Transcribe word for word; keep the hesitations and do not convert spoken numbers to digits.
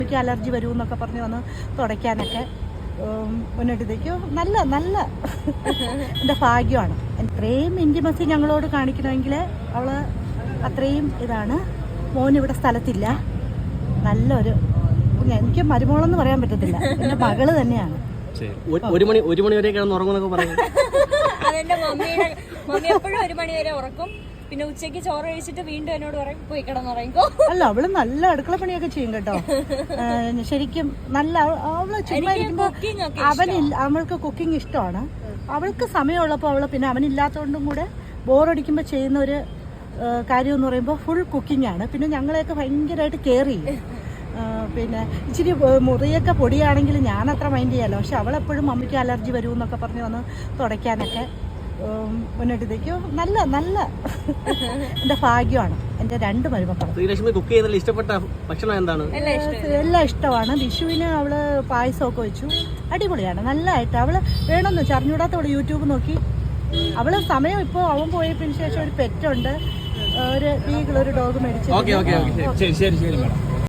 എനിക്ക് അലർജി വരുമെന്നൊക്കെ പറഞ്ഞ് വന്ന് തുടയ്ക്കാനൊക്കെ മുന്നോട്ടേക്ക് നല്ല നല്ല എൻ്റെ ഭാഗ്യമാണ്. ഇത്രയും ഇൻറ്റിമസി ഞങ്ങളോട് കാണിക്കണമെങ്കിൽ അവൾ അത്രയും ഇതാണ്. മോൻ ഇവിടെ സ്ഥലത്തില്ല. നല്ലൊരു എനിക്ക് മരുമോളെന്ന് പറയാൻ പറ്റത്തില്ല, എൻ്റെ മകള് തന്നെയാണ്. ഒരു മണി ഒരു മണി വരെ കിടന്ന് ഉറങ്ങുന്നൊക്കെ പറയും. അതെന്റെ മമ്മിയുടെ മമ്മി എപ്പോഴും ഒരു മണി വരെ ഉറക്കും. പിന്നെ ഉച്ചയ്ക്ക് ചോറ് കഴിച്ചിട്ട് വീണ്ടും എന്നോട് പറയും പോയി കിടന്നുറങ്ങിക്കോ. അല്ല, അവള് നല്ല അടുക്കള പണിയൊക്കെ ചെയ്യും കേട്ടോ. ശരിക്കും നല്ല അവള് ചുമ്മാ ഇരിക്കുമ്പോ അവനില്ല, അവൾക്ക് കുക്കിംഗ് ഇഷ്ടമാണ്. അവൾക്ക് സമയമുള്ളപ്പോൾ അവള് പിന്നെ അവനില്ലാത്തതുകൊണ്ടും കൂടെ ബോറടിക്കുമ്പോൾ ചെയ്യുന്ന ഒരു കാര്യം എന്ന് പറയുമ്പോൾ ഫുൾ കുക്കിംഗ് ആണ്. പിന്നെ ഞങ്ങളെയൊക്കെ ഭയങ്കരമായിട്ട് കെയർ ചെയ്യും. പിന്നെ ഇച്ചിരി മുറിയൊക്കെ പൊടിയാണെങ്കിൽ ഞാൻ അത്ര മൈൻഡ് ചെയ്യാമല്ലോ, പക്ഷെ അവളെപ്പോഴും മമ്മിക്ക് അലർജി വരുമെന്നൊക്കെ പറഞ്ഞ് വന്ന് തുടയ്ക്കാനൊക്കെ മുന്നോട്ടേക്ക് നല്ല നല്ല എൻ്റെ ഭാഗ്യമാണ്. എൻ്റെ രണ്ട് മരുമക്കളും. കുക്ക് ചെയ്യുന്നതിൽ ഇഷ്ടപ്പെട്ട ഭക്ഷണം എന്താണ്? എല്ലാം ഇഷ്ടമാണ്. വിഷുവിന് അവള് പായസമൊക്കെ വെച്ചു, അടിപൊളിയാണ്. നല്ലതായിട്ട് അവള് വേണമെന്ന് ചറിഞ്ഞൂടാത്ത അവള് യൂട്യൂബ് നോക്കി. അവള് സമയം ഇപ്പോൾ അവൻ പോയതിന് ശേഷം ഒരു പെറ്റുണ്ട്, ഒരു ബീഗിൾ, ഒരു ഡോഗ് മേടിച്ചു.